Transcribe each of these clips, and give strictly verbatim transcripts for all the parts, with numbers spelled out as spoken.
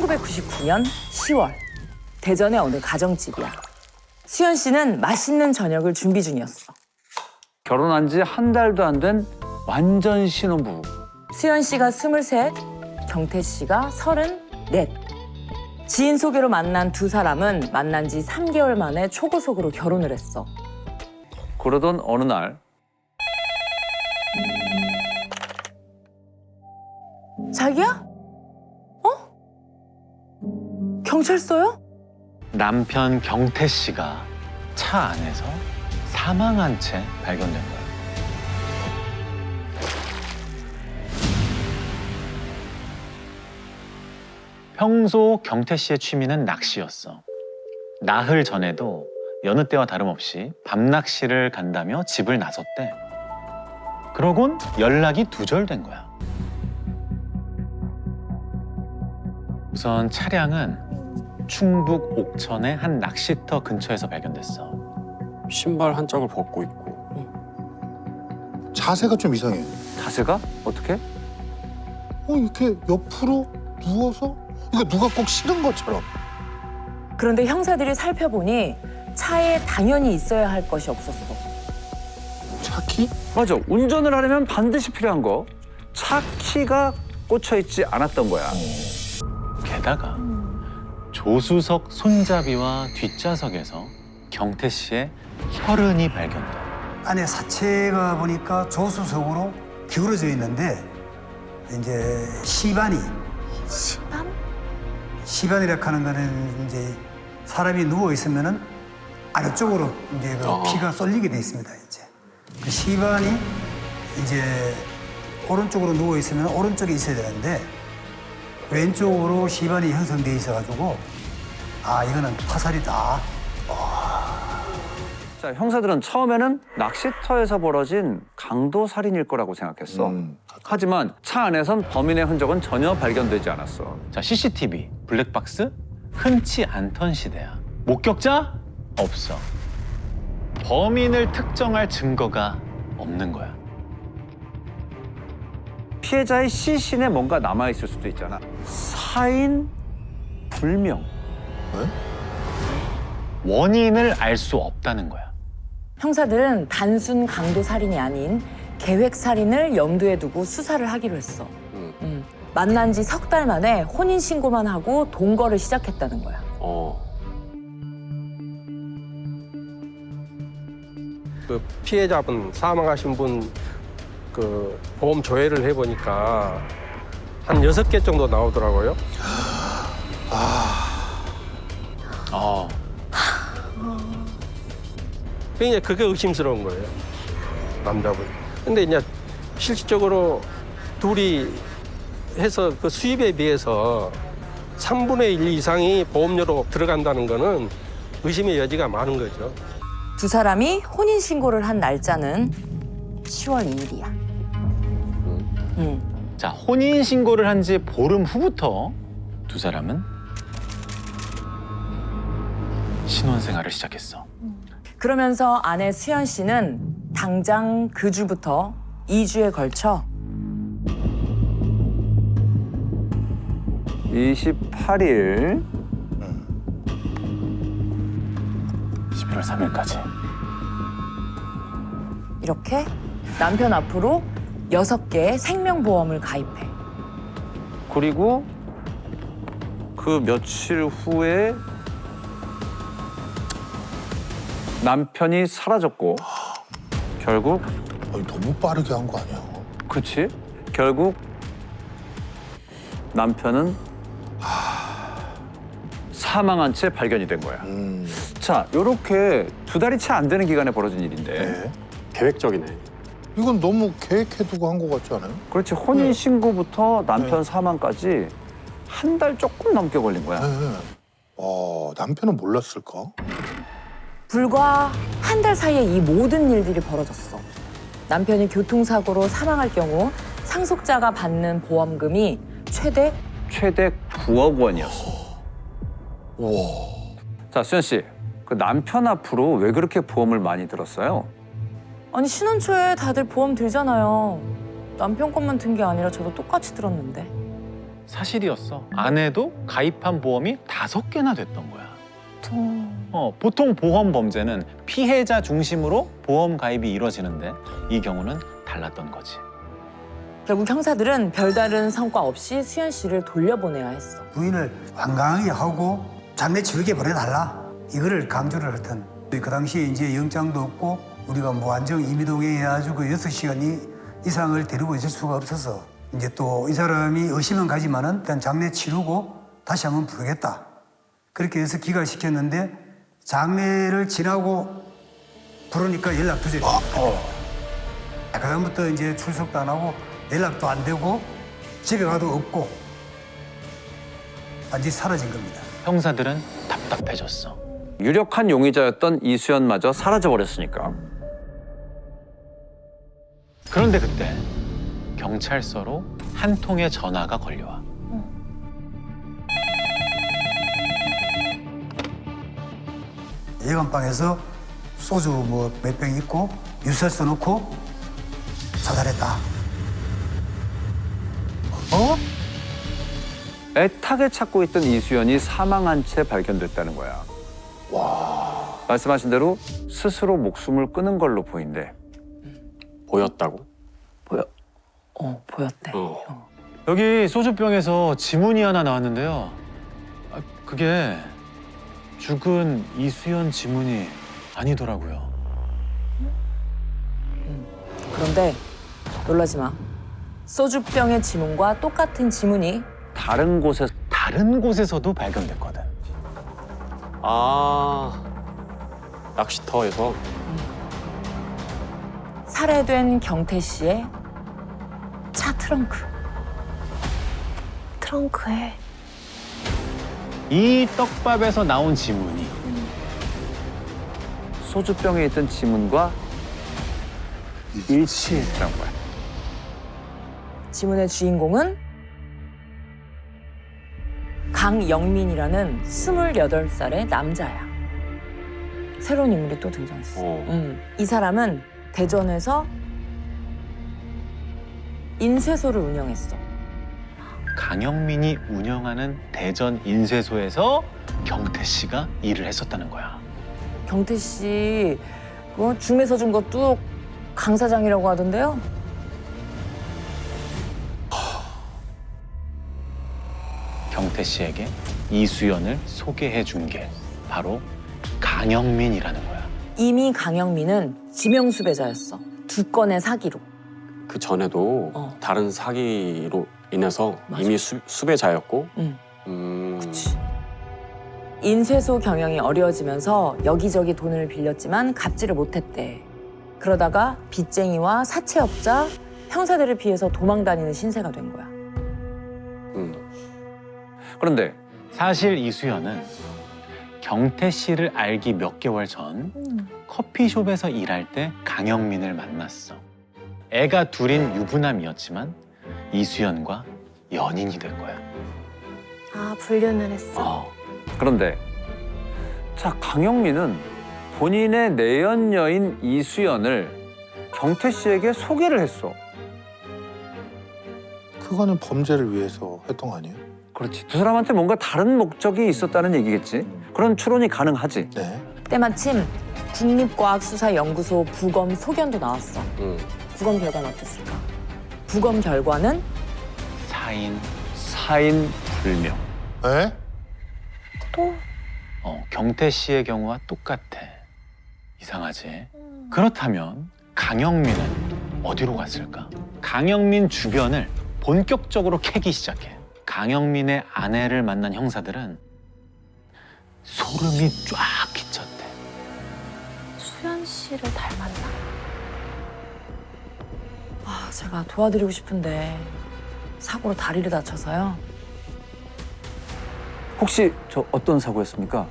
천구백구십구 년 시월 대전의 어느 가정집이야. 수연 씨는 맛있는 저녁을 준비 중이었어. 결혼한 지 한 달도 안 된 완전 신혼부부. 수연 씨가 스물셋, 경태 씨가 서른넷. 지인 소개로 만난 두 사람은 만난 지 삼 개월 만에 초고속으로 결혼을 했어. 그러던 어느 날 자기야? 어? 경찰서요? 남편 경태 씨가 차 안에서 사망한 채 발견된 거예요. 평소 경태 씨의 취미는 낚시였어. 나흘 전에도 여느 때와 다름없이 밤낚시를 간다며 집을 나섰대. 그러곤 연락이 두절된 거야. 우선 차량은 충북 옥천의 한 낚시터 근처에서 발견됐어. 신발 한 짝을 벗고 있고. 자세가 좀 이상해. 자세가 어떻게? 어, 이렇게 옆으로 누워서 이거 누가 꼭 실은 것처럼. 그런데 형사들이 살펴보니 차에 당연히 있어야 할 것이 없었어. 차 키? 맞아. 운전을 하려면 반드시 필요한 거. 차 키가 꽂혀 있지 않았던 거야. 게다가 조수석 손잡이와 뒷좌석에서 경태 씨의 혈흔이 발견돼. 안에 사체가 보니까 조수석으로 기울어져 있는데 이제 시반이 시반? 시반이라 하는 거는 이제 사람이 누워 있으면은 아래쪽으로 이제 그 피가 쏠리게 돼 있습니다. 이제 그 시반이 이제 오른쪽으로 누워 있으면 오른쪽에 있어야 되는데 왼쪽으로 시반이 형성돼 있어가지고 아 이거는 화살이다. 자, 형사들은 처음에는 낚시터에서 벌어진 강도 살인일 거라고 생각했어. 음. 하지만 차 안에선 범인의 흔적은 전혀 발견되지 않았어. 자, 씨씨티비, 블랙박스 흔치 않던 시대야. 목격자? 없어. 범인을 특정할 증거가 없는 거야. 피해자의 시신에 뭔가 남아있을 수도 있잖아. 사인 불명. 원인을 알 수 없다는 거야. 형사들은 단순 강도 살인이 아닌 계획 살인을 염두에 두고 수사를 하기로 했어. 음. 만난 지 석 달 만에 혼인 신고만 하고 동거를 시작했다는 거야. 어. 그 피해자분 사망하신 분 그 보험 조회를 해보니까 한 여섯 개 정도 나오더라고요. 어, 굉장히 그게 의심스러운 거예요. 남자분. 근데 이제 실질적으로 둘이 해서 그 수입에 비해서 삼분의 일 이상이 보험료로 들어간다는 거는 의심의 여지가 많은 거죠. 두 사람이 혼인 신고를 한 날짜는 시월 이일이야. 음. 자, 혼인 신고를 한 지 보름 후부터 두 사람은 신혼생활을 시작했어. 그러면서 아내 수연 씨는 당장 그 주부터 이 주에 걸쳐 이십팔 일 십일월 삼일까지. 이렇게 남편 앞으로 여섯 개의 생명보험을 가입해. 그리고 그 며칠 후에 남편이 사라졌고 결국 아니, 너무 빠르게 한 거 아니야? 그치? 결국 남편은 사망한 채 발견이 된 거야. 음. 자, 요렇게 두 달이 채 안 되는 기간에 벌어진 일인데 네. 계획적이네. 이건 너무 계획해두고 한 거 같지 않아요? 그렇지, 혼인 네. 신고부터 남편 네. 사망까지 한 달 조금 넘게 걸린 거야. 네. 어, 남편은 몰랐을까? 불과 한 달 사이에 이 모든 일들이 벌어졌어. 남편이 교통사고로 사망할 경우 상속자가 받는 보험금이 최대 최대 구억 원이었어. 우와. 자, 수연 씨, 그 남편 앞으로 왜 그렇게 보험을 많이 들었어요? 아니 신혼 초에 다들 보험 들잖아요. 남편 것만 든 게 아니라 저도 똑같이 들었는데. 사실이었어. 아내도 가입한 보험이 다섯 개나 됐던 거야. 어, 보통 보험 범죄는 피해자 중심으로 보험 가입이 이루어지는데 이 경우는 달랐던 거지. 결국 형사들은 별다른 성과 없이 수연 씨를 돌려보내야 했어. 부인을 완강하게 하고 장례 치르게 보내달라. 이거를 강조를 했던. 그 당시에 이제 영장도 없고 우리가 무한정 임의동행해 가지고 여섯 시간 이상을 데리고 있을 수가 없어서 이제 또 이 사람이 의심은 가지만은 일단 장례 치르고 다시 한번 부르겠다. 그렇게 해서 기각시켰는데 장례를 지나고 부르니까 연락 두절입니다. 그다음부터 이제 출석도 안 하고 연락도 안 되고 집에 가도 없고 완전히 사라진 겁니다. 형사들은 답답해졌어. 유력한 용의자였던 이수연마저 사라져버렸으니까. 그런데 그때 경찰서로 한 통의 전화가 걸려와. 예감방에서 소주 뭐 몇 병 있고 유서 써놓고 자살했다. 어? 애타게 찾고 있던 이수연이 사망한 채 발견됐다는 거야. 와. 말씀하신 대로 스스로 목숨을 끊은 걸로 보인대. 보였다고? 보여. 어, 보였대. 어. 어. 여기 소주병에서 지문이 하나 나왔는데요. 아, 그게 죽은 이수연 지문이 아니더라고요. 그런데 놀라지 마. 소주병의 지문과 똑같은 지문이 다른 곳에 다른 곳에서도 발견됐거든. 아, 낚시터에서? 살해된 경태 씨의 차 트렁크. 트렁크에 이 떡밥에서 나온 지문이 소주병에 있던 지문과 일치했다는 거야. 지문의 주인공은 강영민이라는 스물여덟 살의 남자야. 새로운 인물이 또 등장했어. 어. 음, 이 사람은 대전에서 인쇄소를 운영했어. 강영민이 운영하는 대전 인쇄소에서 경태 씨가 일을 했었다는 거야. 경태 씨 그거 중매 서준 것도 강 사장이라고 하던데요. 경태 씨에게 이수연을 소개해 준 게 바로 강영민이라는 거야. 이미 강영민은 지명수배자였어. 두 건의 사기로. 그 전에도 어. 다른 사기로 인해서 맞아. 이미 수, 수배자였고. 응. 음. 그치. 인쇄소 경영이 어려워지면서 여기저기 돈을 빌렸지만 갚지를 못했대. 그러다가 빚쟁이와 사채업자, 형사들을 피해서 도망다니는 신세가 된 거야. 음. 그런데 사실 이수연은 경태 씨를 알기 몇 개월 전 커피숍에서 일할 때 강영민을 만났어. 애가 둘인 유부남이었지만 이수연과 연인이 된 거야. 아 불륜을 했어. 어. 그런데 자 강영민은 본인의 내연 여인 이수연을 경태 씨에게 소개를 했어. 그거는 범죄를 위해서 했던 거 아니에요? 그렇지. 두 사람한테 뭔가 다른 목적이 있었다는 얘기겠지. 그런 추론이 가능하지. 네. 때마침 국립과학수사연구소 부검 소견도 나왔어. 음. 부검 결과는 어땠을까? 부검 결과는 사인. 사인 불명. 에? 또 어, 경태 씨의 경우와 똑같아. 이상하지? 그렇다면 강영민은 어디로 갔을까? 강영민 주변을 본격적으로 캐기 시작해. 강영민의 아내를 만난 형사들은 소름이 쫙 끼쳤대. 수연 씨를 닮았나? 아, 제가 도와드리고 싶은데 사고로 다리를 다쳐서요. 혹시 저 어떤 사고였습니까?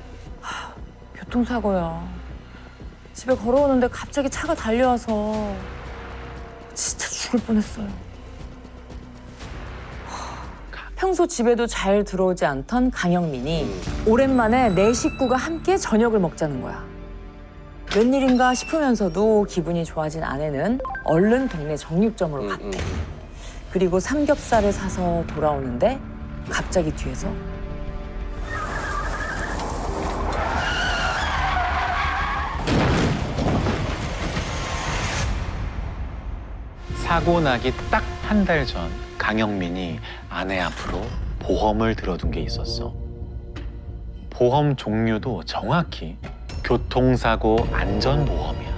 교통사고요. 집에 걸어오는데 갑자기 차가 달려와서 진짜 죽을 뻔했어요. 평소 집에도 잘 들어오지 않던 강영민이 오랜만에 내 식구가 함께 저녁을 먹자는 거야. 웬일인가 싶으면서도 기분이 좋아진 아내는 얼른 동네 정육점으로 음, 갔대. 음. 그리고 삼겹살을 사서 돌아오는데 갑자기 뒤에서 사고 나기 딱 한 달 전 강영민이 아내 앞으로 보험을 들어둔 게 있었어. 보험 종류도 정확히 교통사고 안전보험이야.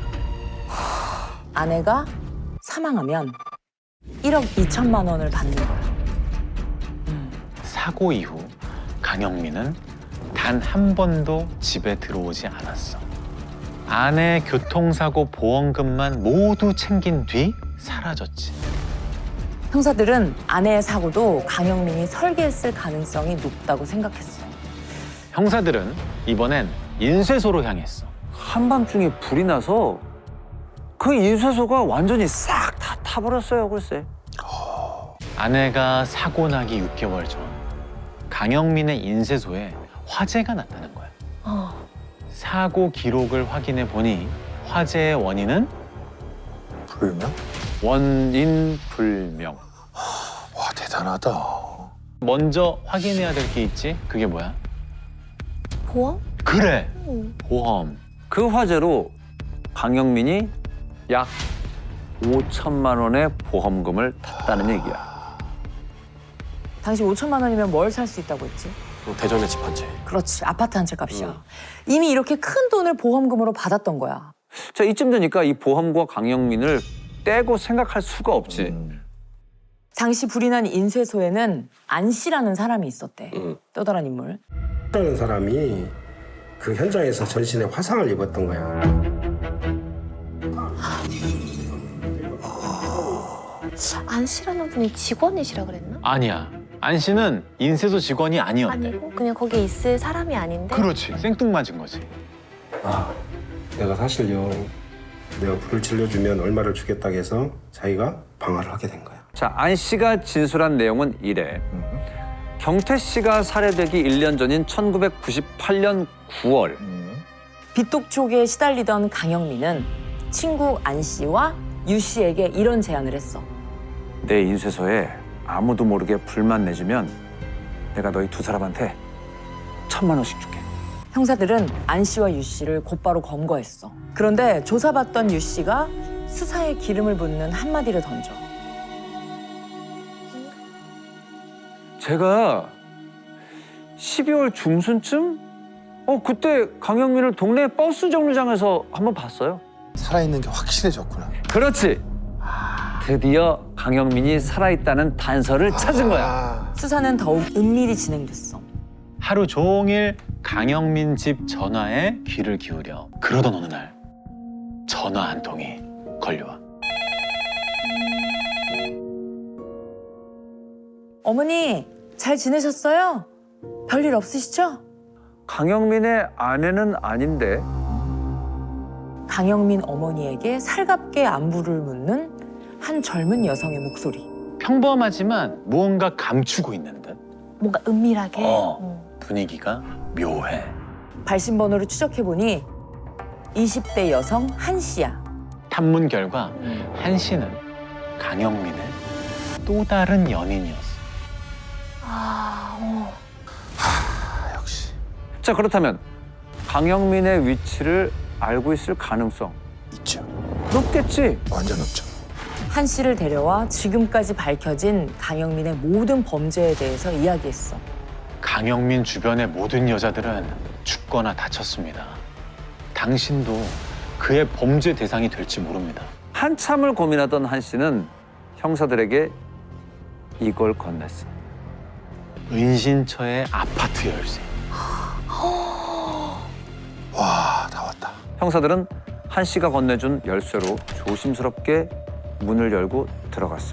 아내가 사망하면 일억 이천만 원을 받는 거야. 사고 이후 강영민은 단 한 번도 집에 들어오지 않았어. 아내 교통사고 보험금만 모두 챙긴 뒤 사라졌지. 형사들은 아내의 사고도 강영민이 설계했을 가능성이 높다고 생각했어. 형사들은 이번엔 인쇄소로 향했어. 한밤중에 불이 나서 그 인쇄소가 완전히 싹 다 타버렸어요, 글쎄. 아내가 사고 나기 육 개월 전 강영민의 인쇄소에 화재가 났다는 거야. 어. 사고 기록을 확인해 보니 화재의 원인은 불명? 원인 불명. 와 대단하다. 먼저 확인해야 될 게 있지. 그게 뭐야? 보험? 그래, 응. 보험. 그 화재로 강영민이 약 오천만 원의 보험금을 탔다는 얘기야. 당시 오천만 원이면 뭘 살 수 있다고 했지? 또 대전의 집 한 채. 그렇지, 아파트 한 채 값이야. 이미 이렇게 큰 돈을 보험금으로 받았던 거야. 자, 이쯤 되니까 이 보험과 강영민을 떼고 생각할 수가 없지. 당시 불이 난 인쇄소에는 안 씨라는 사람이 있었대. 음. 떠돌한 인물. 라는 사람이 그 현장에서 전신에 화상을 입었던 거야. 안 씨라는 분이 직원이시라 그랬나? 아니야. 안 씨는 인쇄소 직원이 아니었대. 아니고 그냥 거기 있을 사람이 아닌데. 그렇지, 생뚱맞은 거지. 아, 내가 사실요. 내가 불을 질러주면 얼마를 주겠다고 해서 자기가 방화를 하게 된 거야. 자, 안 씨가 진술한 내용은 이래. 경태 씨가 살해되기 일 년 전인 천구백구십팔 년 구월. 빚독촉에 시달리던 강영민은 친구 안 씨와 유 씨에게 이런 제안을 했어. 내 인쇄소에 아무도 모르게 불만 내주면 내가 너희 두 사람한테 천만 원씩 줄게. 형사들은 안 씨와 유 씨를 곧바로 검거했어. 그런데 조사받던 유 씨가 수사에 기름을 붓는 한마디를 던져. 제가 십이월 중순쯤? 어, 그때 강영민을 동네 버스 정류장에서 한번 봤어요. 살아있는 게 확실해졌구나. 그렇지. 드디어 강영민이 살아있다는 단서를 찾은 거야. 아, 수사는 더욱 은밀히 진행됐어. 하루 종일 강영민 집 전화에 귀를 기울여. 그러던 어느 날 전화 한 통이 걸려와. 어머니, 잘 지내셨어요? 별일 없으시죠? 강영민의 아내는 아닌데 강영민 어머니에게 살갑게 안부를 묻는 한 젊은 여성의 목소리. 평범하지만 무언가 감추고 있는 듯. 뭔가 은밀하게. 어. 응. 분위기가 묘해. 발신번호를 추적해보니 이십 대 여성 한 씨야. 탐문 결과 한 씨는 강영민의 또 다른 연인이었어. 아, 어. 아 역시 자, 그렇다면 강영민의 위치를 알고 있을 가능성 있죠. 높겠지. 완전 없죠. 한 씨를 데려와 지금까지 밝혀진 강영민의 모든 범죄에 대해서 이야기했어. 강영민 주변의 모든 여자들은 죽거나 다쳤습니다. 당신도 그의 범죄 대상이 될지 모릅니다. 한참을 고민하던 한 씨는 형사들에게 이걸 건넸어. 은신처의 아파트 열쇠. 와 다 왔다. 형사들은 한 씨가 건네준 열쇠로 조심스럽게 문을 열고 들어갔어.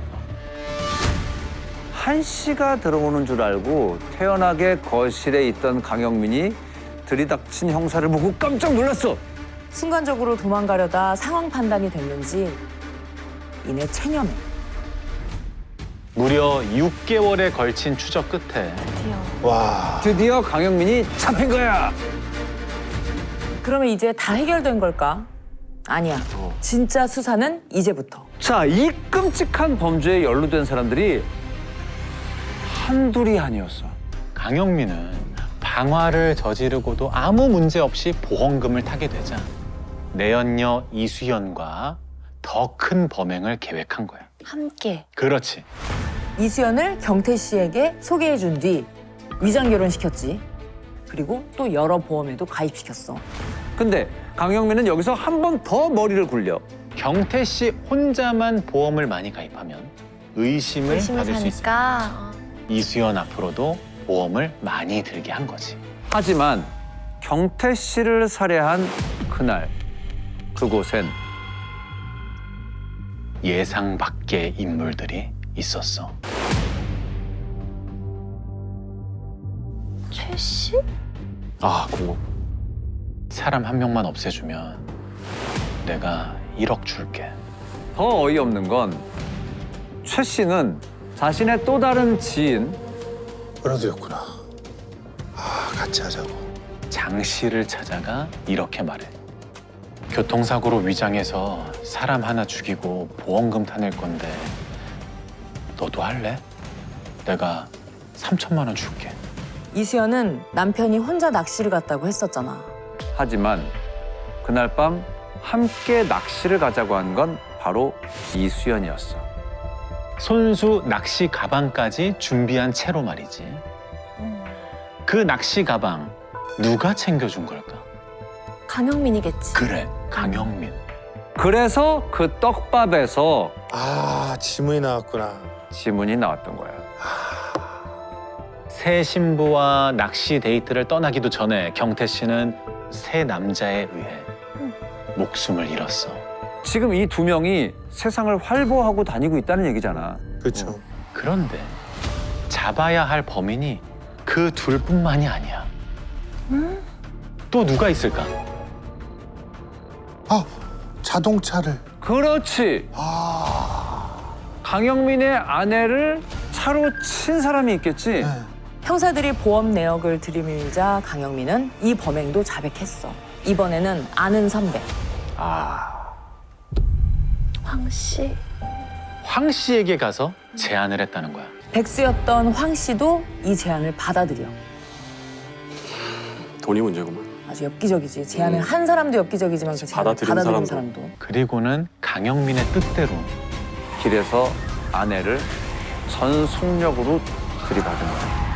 한 씨가 들어오는 줄 알고 태연하게 거실에 있던 강영민이 들이닥친 형사를 보고 깜짝 놀랐어. 순간적으로 도망가려다 상황 판단이 됐는지 이내 체념해. 무려 육 개월에 걸친 추적 끝에 드디어. 와 드디어 강영민이 잡힌 거야. 그러면 이제 다 해결된 걸까? 아니야. 어. 진짜 수사는 이제부터. 자, 이 끔찍한 범죄에 연루된 사람들이 한둘이 아니었어. 강영민은 방화를 저지르고도 아무 문제 없이 보험금을 타게 되자 내연녀 이수연과 더 큰 범행을 계획한 거야. 함께. 그렇지. 이수연을 경태 씨에게 소개해 준 뒤 위장 결혼시켰지. 그리고 또 여러 보험에도 가입시켰어. 근데 강영민은 여기서 한 번 더 머리를 굴려. 경태 씨 혼자만 보험을 많이 가입하면 의심을, 의심을 받을 수 있어. 사니까. 이수연 앞으로도 보험을 많이 들게 한 거지. 하지만 경태 씨를 살해한 그날 그곳엔 예상 밖의 인물들이 있었어. 최 씨? 아, 공범. 사람 한 명만 없애주면 내가 일억 줄게. 더 어이없는 건 최 씨는 자신의 또 다른 지인 은호도였구나. 아, 같이 하자고. 장 씨를 찾아가 이렇게 말해. 교통사고로 위장해서 사람 하나 죽이고 보험금 타낼 건데 너도 할래? 내가 삼천만 원 줄게. 이수연은 남편이 혼자 낚시를 갔다고 했었잖아. 하지만 그날 밤 함께 낚시를 가자고 한 건 바로 이수연이었어. 손수 낚시 가방까지 준비한 채로 말이지. 그 낚시 가방 누가 챙겨준 걸까? 강영민이겠지. 그래, 강영민. 그래서 그 떡밥에서 아, 지문이 나왔구나. 지문이 나왔던 거야. 새 신부와 낚시 데이트를 떠나기도 전에 경태 씨는 새 남자에 의해 목숨을 잃었어. 지금 이 두 명이 세상을 활보하고 다니고 있다는 얘기잖아. 그렇죠. 그런데 잡아야 할 범인이 그 둘뿐만이 아니야. 또 누가 있을까? 아, 자동차를. 그렇지. 아, 강영민의 아내를 차로 친 사람이 있겠지. 네. 형사들이 보험 내역을 들이밀자 강영민은 이 범행도 자백했어. 이번에는 아는 선배. 아, 황 씨. 황 씨에게 가서 제안을 했다는 거야. 백수였던 황 씨도 이 제안을 받아들여. 돈이 문제구만. 아주 엽기적이지. 제안을 음. 한 사람도 엽기적이지만 그 제안을 받아들인 받아들인 사람도. 사람도. 그리고는 강영민의 뜻대로 길에서 아내를 전속력으로 들이받은 거야.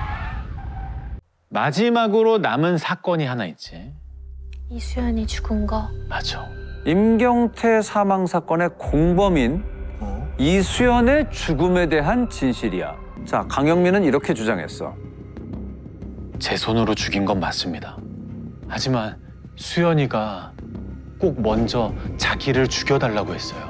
마지막으로 남은 사건이 하나 있지. 이수연이 죽은 거. 맞아. 임경태 사망 사건의 공범인 어? 이수연의 죽음에 대한 진실이야. 자, 강영민은 이렇게 주장했어. 제 손으로 죽인 건 맞습니다. 하지만 수연이가 꼭 먼저 자기를 죽여달라고 했어요.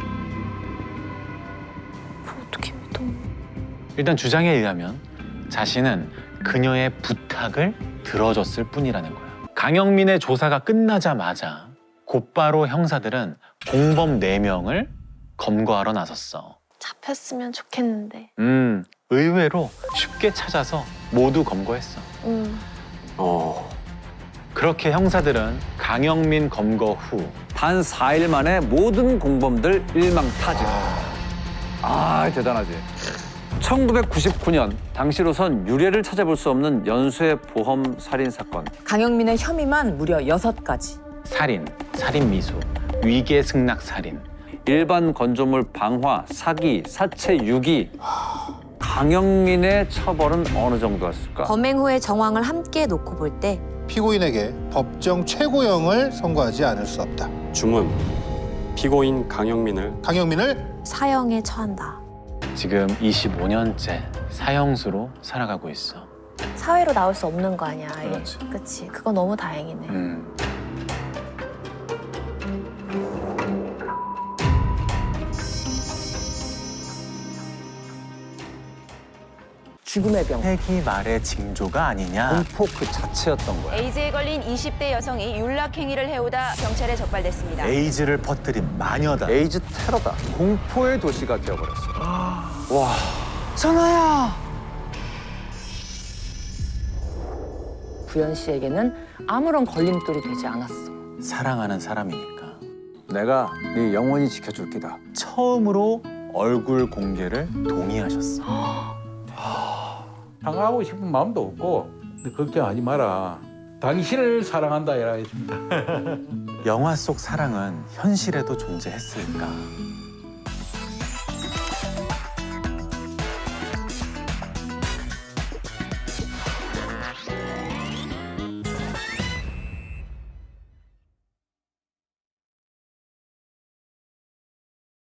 어떻게 믿어? 일단 주장에 의하면 자신은 그녀의 부탁을 들어줬을 뿐이라는 거야. 강영민의 조사가 끝나자마자 곧바로 형사들은 공범 네 명을 검거하러 나섰어. 잡혔으면 좋겠는데. 음, 의외로 쉽게 찾아서 모두 검거했어. 응. 어. 그렇게 형사들은 강영민 검거 후 단 사 일 만에 모든 공범들 일망타진. 아, 대단하지. 천구백구십구 년 당시로선 유례를 찾아볼 수 없는 연쇄 보험 살인 사건. 강영민의 혐의만 무려 여섯 가지. 살인, 살인미수, 위계승낙 살인. 일반 건조물 방화, 사기, 사체 유기. 강영민의 처벌은 어느 정도였을까? 범행 후의 정황을 함께 놓고 볼 때 피고인에게 법정 최고형을 선고하지 않을 수 없다. 주문. 피고인 강영민을 강영민을 사형에 처한다. 지금 이십오 년째 사형수로 살아가고 있어. 사회로 나올 수 없는 거 아니야. 아예. 그렇지. 그치. 그거 너무 다행이네. 음. 죽음의 병. 패기 말의 징조가 아니냐. 공포 그 자체였던 거야. 에이즈에 걸린 이십 대 여성이 윤락행위를 해오다 경찰에 적발됐습니다. 에이즈를 퍼뜨린 마녀다. 에이즈 테러다. 공포의 도시가 되어버렸어. 와. 부연 씨에게는 아무런 걸림돌이 되지 않았어. 사랑하는 사람이니까. 내가 네 영원히 지켜줄 기다. 처음으로 얼굴 공개를 동의하셨어. 당하고 싶은 마음도 없고 근데 걱정하지 마라. 당신을 사랑한다 이라 했습니다. 영화 속 사랑은 현실에도 존재했을까?